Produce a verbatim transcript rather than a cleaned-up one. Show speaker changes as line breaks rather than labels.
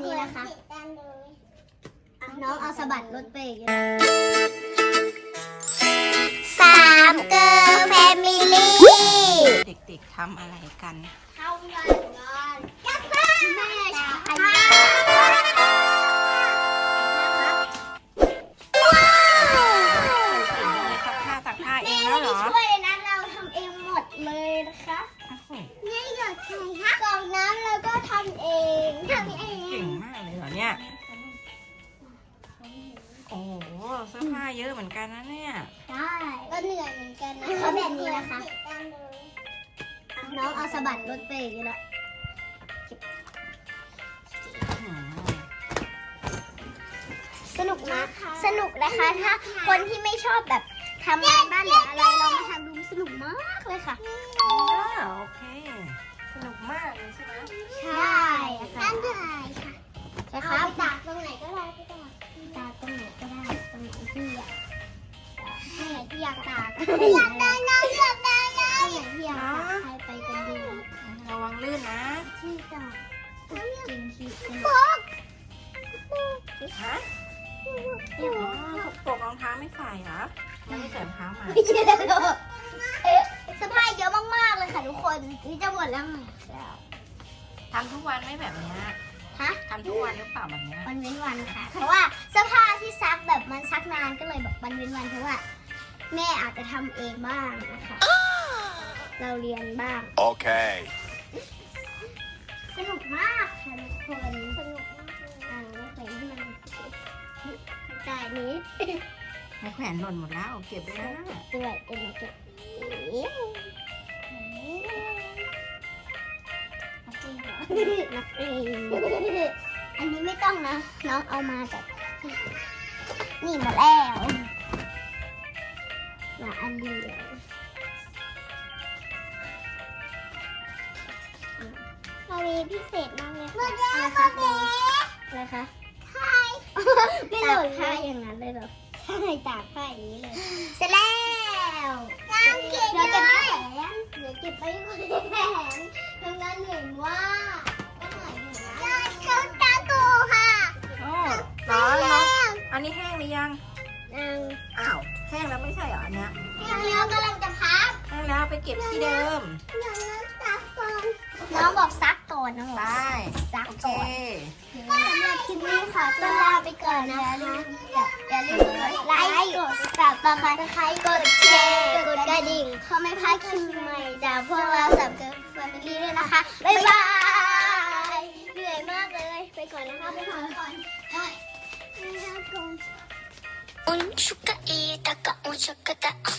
นี้นะคะน้องเอาสะบัดรถไปอีกสามเกอร์แฟมิลี่
เด็กๆทำอะไรกัน
ทำงานงานกับแม่ชาย
ซักผ้าซักผ้าเองแล้วเหรอ
ช่วยเลยนะเราทำเองหมดเลยนะคะนี่หยดใส่ค่ะกล่องน้ำเราก็ทำเองทำเอง
เก่งมากเลยเหรอเนี่ยโอ้โหเสื้อผ้าเยอะเหมือนกันนะเนี่ย
ใช่ก็เหนื่อยเหมือนกันนะเขาแบบนี้นะคะน้องเอาสะบัดรถไปอีกแล้วสนุกนะสนุกนะคะถ้าคนที่ไม่ชอบแบบทำงานบ้านหรืออะไรเรามาทำดูสนุกมากเลยค่ะ
อ๋อโอเคสนุกมากเลยใช่ไหม
ใช่ค่ะตั้งใจค่ะใช่ครับตากตรงไหนก็ได้พี่ตากตากตรงไหนก็ได้ตรงไหนที่อยากตรงไหนที่อยากตากอยากได้น้ำอยากได้น้ำตรงไหนที่อยากตากใครไปกันดี
ระวังลื่นนะ
ที่ตากจริงที่สนุก
ฮะอ๋อสกปรกรองเท้าไม่ใส่เหรอยังไม่ใส่รองเท้ามา
สะพายเยอะมากๆเลยค่ะทุกคนนี่จะหมดแล้วไง
ทำทุกวันไม่แบบนี้
ฮะ
ทำทุกวันหรือเปล่าแบบนี้
วันเว้นวันค่ะเพราะว่าเสื้อผ้าที่ซักแบบมันซักนานก็เลยแบบวันเว้นวันเพราะว่าแม่อาจจะทำเองบ้างนะคะเราเรียนบ้าง
โอเค
สนุกมากค่ะทุกคนสนุกมากเลยอ่าแขวนที่มันใจนี้
ให้แขวนหล่นหมดแล้วเก็บไปแล้ว
ด้วยเอ็นเก็บนักเรียนอันนี้ไม่ต้องนะน้องเอามาจากนี่มาแล้วมาอันเดียวเรามีพิเศษมากเลยค่ะอะไรคะอะไรคะไม่หล่นผ้าอย่างนั้นเลยเหรอใช่ตากผ้าอย่างนี้เลยเสร็จแล้วเดี๋ยวเก็บไม่แขนเดี๋ยวเก็บไปคนแขนทำงานเหนื่อยว่าก็เหนื่อยอยู่นะเขาตาโกค่ะ
โอ้ร้อนเนาะอันนี้แห้งหรือยัง
ยัง
อ้าวแห้งแล้วไม่ใช่เหรออันเนี้ย
แห้งแล้วกำลังจะพัก
แห้งแล้วไปเก็บที่เดิม
น้องบอกซักก่อนนะ
ได้
ซัก
โอเค
สำหรับคลิปนี้ค่ะต้องลาไปก่อนนะคะอย่าลืมไลค์กดซับสไครต์กดแชร์กดกระดิ่งเขาไม่พลาดคลิปใหม่จากพวกเราสับเกิร์ลแฟมิลี่ด้วยนะคะบ๊ายบายเหนื่อยมากเลยไปก่อนนะคะไปก่อนก่อนUn chuka ita ka un chuka ta